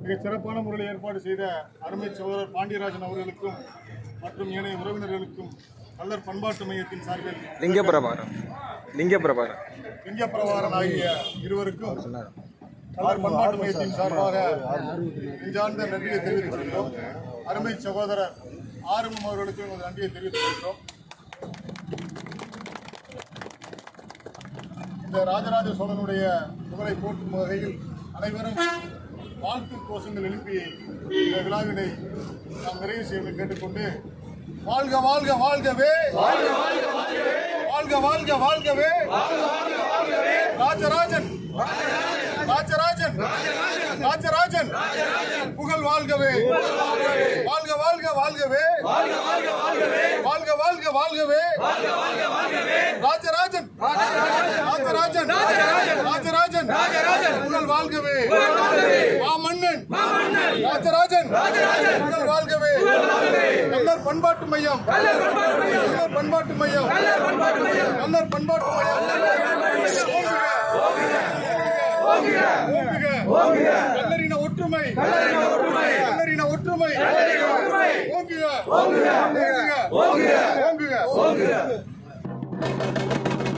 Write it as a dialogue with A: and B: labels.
A: மிக சிறப்பான முறையில் ஏற்பாடு செய்த அருமை சகோதரர் பாண்டியராஜன் அவர்களுக்கும் மற்றும் ஏனைய உறவினர்களுக்கும் கள்ளர் பண்பாட்டு மையத்தின் சார்பில் லிங்கப்பிரபாரன் ஆகிய இருவருக்கும் கள்ளர் பண்பாட்டு மையத்தின் சார்பாக நெஞ்சார்ந்த நன்றியை தெரிவித்துக் கொள்கிறோம். அருமை சகோதரர் ஆறுமுகம் அவர்களுக்கும் எமது நன்றியை தெரிவித்துக் கொள்கிறோம். இந்த ராஜராஜ சோழனுடைய புகழை போற்றும் வகையில் அனைவரும் வாழ்த்து கோஷங்கள் எழுப்பி இந்த விழாவினை நாம் நிறைவு செய்ய கேட்டுக்கொண்டு, வாழ்க வாழ்க வாழ்கவே, வாழ்க வாழ்க வாழ்கவே ராஜராஜன் ராஜராஜன் ராஜராஜன் புகழ் வாழ்கவே, வாழ்க வாழ்க வாழ்கவே, வாழ்க வாழ்க வாழ்கவே ராஜராஜன் ராஜராஜன் ராஜராஜன் புகழ் வாழ்கவே, மாமன்னன் ராஜராஜன் புகழ் வாழ்கவே, கள்ளர் பண்பாட்டு மையம், கள்ளர் பண்பாட்டு மையம், கள்ளர் பண்பாட்டு மையம் கள்ளரின ஒற்றுமை, கள்ளரின ஒற்றுமை ஓங்குக, ஓங்குக, ஓங்குக.